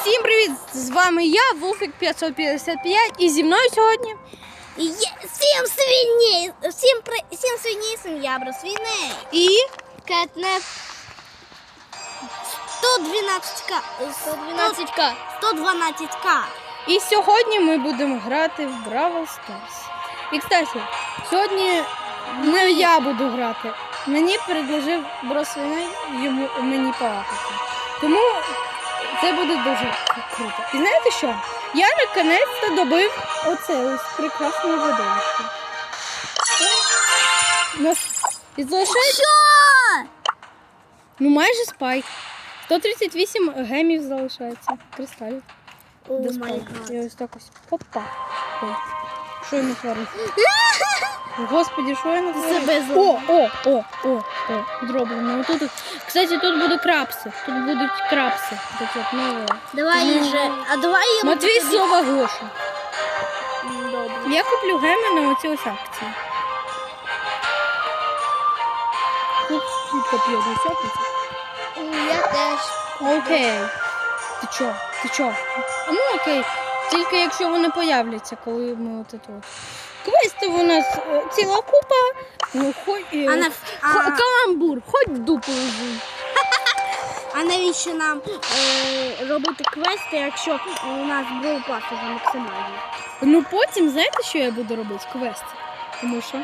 Всім привіт! З вами я, Вулфік 555, і зі мною сьогодні Всім свиней, сім'я Бросвіней. І Кетнеп 112к. І сьогодні ми будемо грати в Бравл Старс. І, кстати, сьогодні не я буду грати. Мені предложив Бросвіней мені полапати. Тому це буде дуже круто. І знаєте що? Я наконець-то добив оце ось прекрасне видовище. Нас залишається... Ну майже спайк. 138 гемів залишається. Кристалів. До спайку. І ось так ось. Опа. Ой. Що я натворив? Господи, що я натворив? О, дроблено. Тут, кстати, тут будуть крабси. Тут будуть крабси. Давай вже. А давай я Матвій слова Гоша. Добре. Я куплю геми на оці ось акції. Тут коп'є десятниця. Я теж. Окей. Ти чо? Ну окей. Тільки якщо вони появляться, коли ми от тут. Квестів у нас ціла купа. Ну, каламбур, хоч дупу лежи. А навіщо нам робити квести, якщо у нас броупас вже максимальний? Ну потім, знаєте, що я буду робити? Квести. Тому що.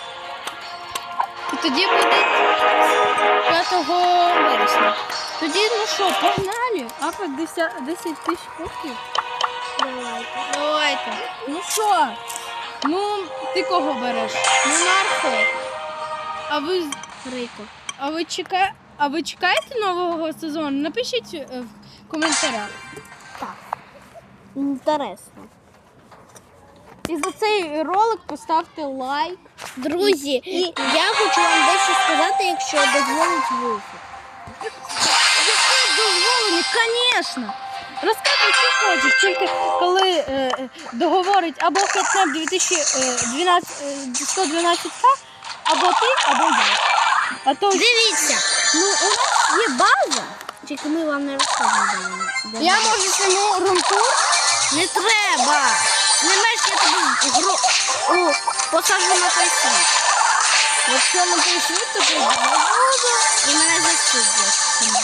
І тоді буде 5 вересня. Тоді, ну що, погнали? Апа 10 тисяч коштів. Давайте. Ну що? Ну, ти кого береш? Монархо. А ви Рико. А ви чекаєте нового сезону? Напишіть в коментарях. Так. Інтересно. І за цей ролик поставте лайк. Друзі, я хочу вам дещо сказати, якщо дозволить Вулфік. Дозволені, звісно. Розказуй, що хочеш, тільки коли договорить або Кетнеп 112к, або ти, або я. А то... Дивіться, ну у нас є база, тільки ми вам не розказуємо. Я можу цьому румтур? Не треба. Не маєш, я тобі посаджу на той світ. Якщо на той світ, то ти І мене засудять.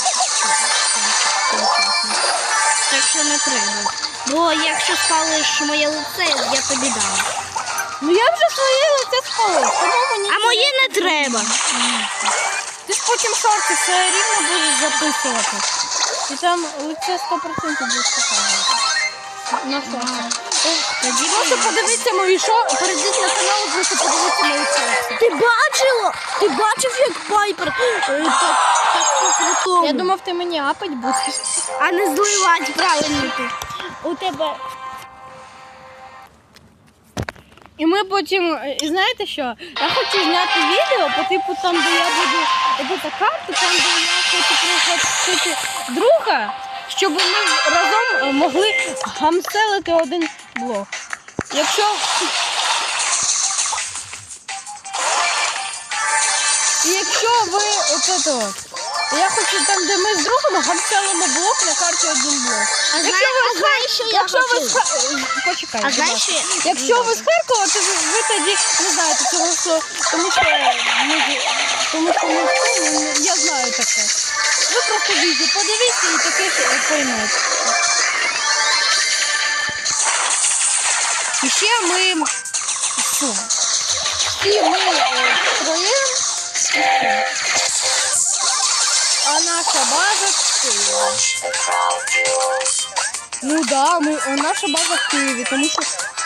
Так що не треба. Бо якщо спалиш моє лице, я тобі дам. Ну я вже своє лице спалив, тому мені... А моє не треба. Ти ж потім шорти все рівно будеш записувати. І там лице 100% будеш показувати. На шорти. Просто подивіться мої шорти, перейдіть на канал, просто подивіться мої шорти. Ти бачила? Ти бачив, як Пайпер так по-крутому? Я думав, ти мені апать будеш. А не зливати, правильно ти. У тебе... І ми потім, і знаєте що, я хочу зняти відео по типу там, де я буду робити карту, там, де я хочу прихватити друга, щоб ми разом могли гамселити один блок. Якщо ви я хочу там, де ми з другом гамселимо блок на карті один блок. знаєш, що я хочу? Почекай, А знаєш, що якщо ви з Харкова, то ви тоді не знаєте цього, тому що я знаю таке. Ви просто відео подивіться і таке поймете. І ще ми строїмо, а наша база в Києві. Ну да, наша база в Києві, тому що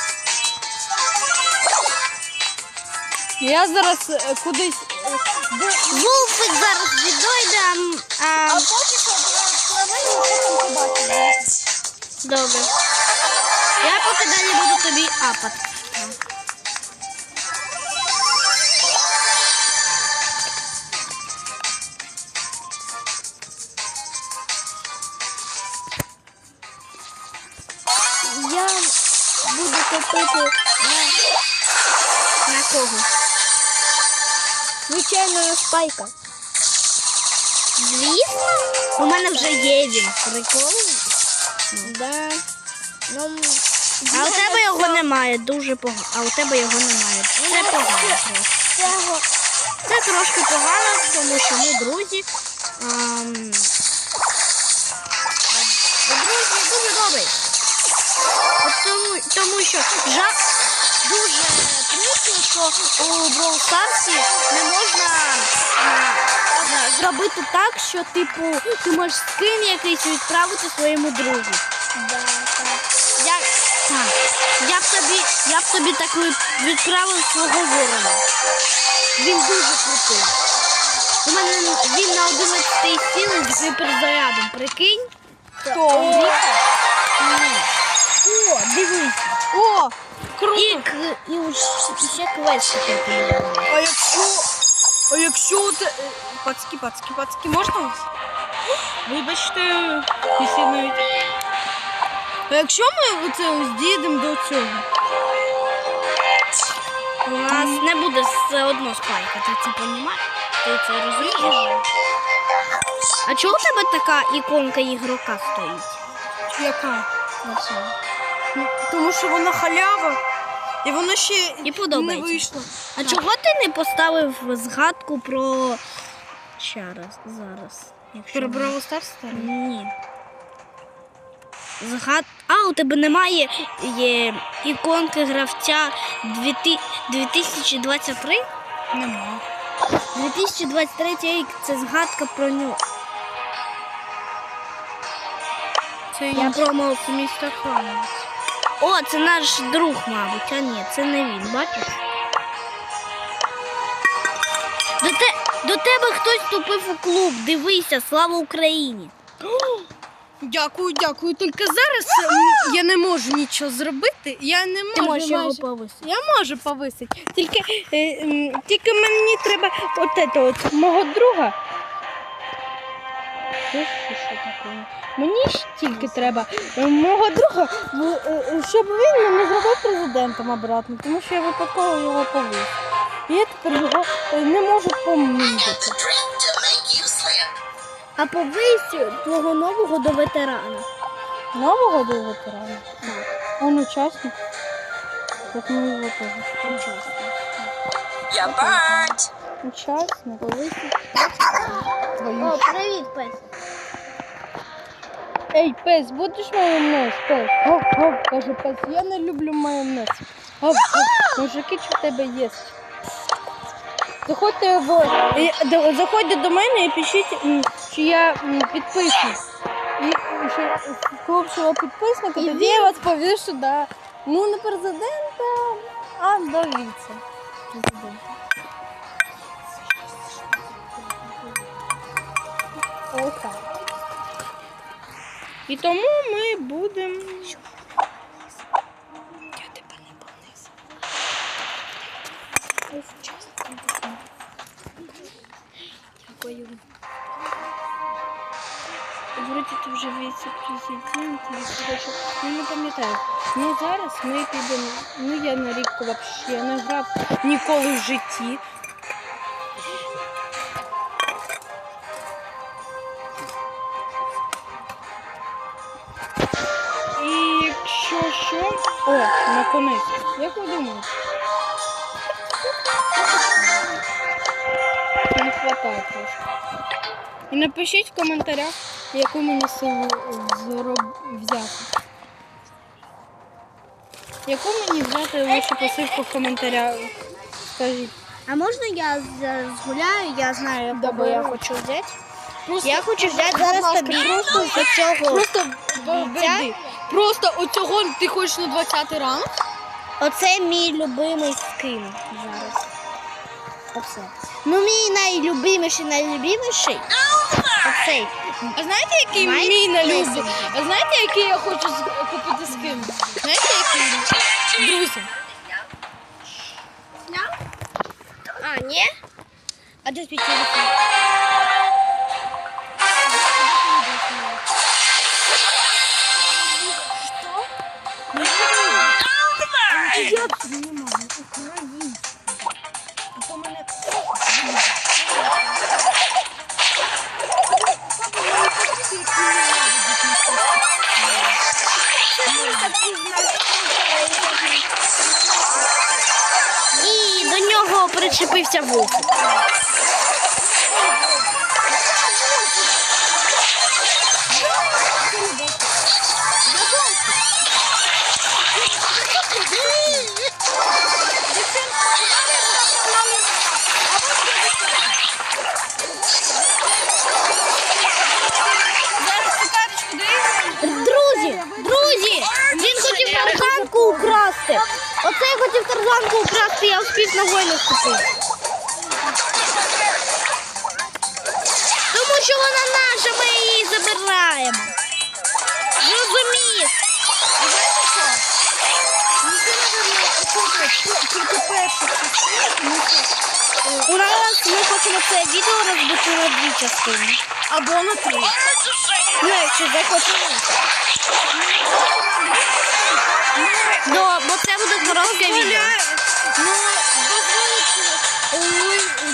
я зараз кудись... Вулфик зараз відійде, А поки що побачимо. Добре. Я поки далі буду тобі апати. Я буду копити на кого? Звичайно, на Спайка. Звісно, у мене вже є він. Прикол. Да. Ну, а у тебе його немає, дуже погано. А у тебе його немає. Це погано трошки. Це трошки погано, тому що ми друзі. Друзі дуже добрі. Тому що дуже прикро, що у Brawl Stars не можна зробити так, що типу ти можеш скин якийсь відправити своєму другу. Да, так. Я б тобі так відправив свого ворона. Він дуже крутий. У мене він на 11 силі з гіперзарядом. Прикинь? Хто? О, дивись. О, круто. І ще квестики. А якщо ти... Пацки, можна вас? Вибачте, якщо навіть... А якщо ми оце ось дійдемо до цього? У нас не буде все одно спайка, ти це розумієш? Ти це розумієш? А чого у тебе така іконка ігрока стоїть? Яка? Тому що вона халява, і вона ще І подобається. не вийшла. А чого ти не поставив згадку про... Ще раз, зараз. Про Brawl Stars? Ні. А, у тебе немає іконки гравця 2023? Нема. 2023 рік – це згадка про нього. Це Я промов містер Ханс. О, це наш друг, мабуть, а ні, це не він, бачиш? До тебе хтось вступив у клуб, дивися, слава Україні! Дякую. Тільки зараз я не можу нічого зробити. Я не можу. Ти можеш його повисити. Я можу повисити. Тільки мені треба от мого друга. Що таке? Мені ж тільки треба мого друга, щоб він мене зробив президентом обратно, тому що я випадково його повис. І я тепер його не можу помітити. А повись твого нового до ветерана. Нового до ветерана? Он учасник. Так ми його теж. Я бать! Учасник. О, привіт, пес. Ей, пес, будеш майонез, пес? Гав, каже пес, я не люблю майонез. Гав. Мужики, що в тебе є? Заходьте до мене і пишіть, що я підписник. І що хлопчого підписника, тоді я вас повішу, да. Ну, не президента, а до віце-президента. Ось так. І тому ми будемо... Я тебе не понизу. Дякую. Вроді ти вже віце-президент, я не пам'ятаю. Ну зараз ми підемо, я на рік взагалі не грав ніколи в житті. І якщо що... О, наконець. Як ви думаєте? Не вистачає трошки. І напишіть в коментарях, яку мені силу взяти. Яку мені взяти лише посилку в коментарях? Скажіть. А можна я згуляю? Я знаю, яку я хочу взяти. Просто, Я хочу взяти зараз тобі просто з цього. Просто оцього ти хочеш на 20-й ранок? Оце мій любимий скин зараз. Оце. Ну, мій найлюбиміший. Оцей. А знаєте, який мій налюблений? А знаєте, який я хочу купити скин? Знаєте, який? Друзі. А, ні? А де твій телефон? Я знімаю українську. А то мене... зачепився вовк. Друзі, він хотів тарзанку украсти. Оце хотів тарзанку украсти, я успів ногою не вступити. Тому що вона наша, ми її забираємо. Зрозумів. У нас ми хочемо це відео розбити на 2 частини. Або на 3. Ну, якщо захочемо. Бо це буде коротке відео. Ну, дозволить.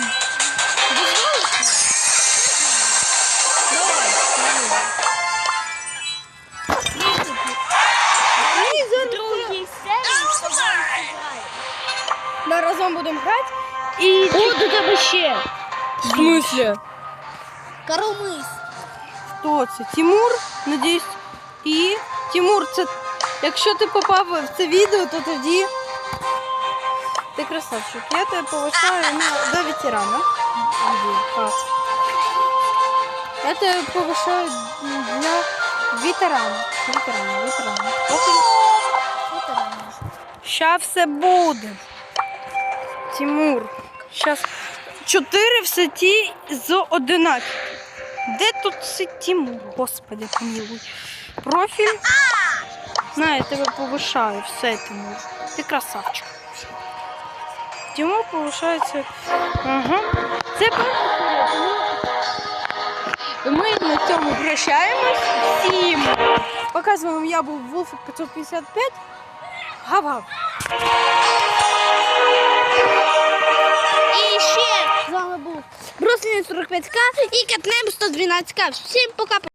Ми разом будемо грати. І О, до тебе ще. в смысле? Коромис. Хто це? Тимур, надіюсь. І Тимур, це якщо ти попав в це відео, то тоді ти красавчик. Я тебе повишаю до ветерана. Я тебе повишаю для ветерана. Ветерана. Ща все буде. Тимур. Щас 4 в сеті з 11. Де тут сидить Тимур? Господи, помилуй. Профіль. На, я тебе повишаю. Все, Тимур. Ти красавчик. Тимур повишається. Ага. Це перше. Ми на цьому прощаємось. Всім показуємо, я був Wolf 555. Гав-гав. І ще з вами був Брослін 45К і Кетнем 112К. Всім пока.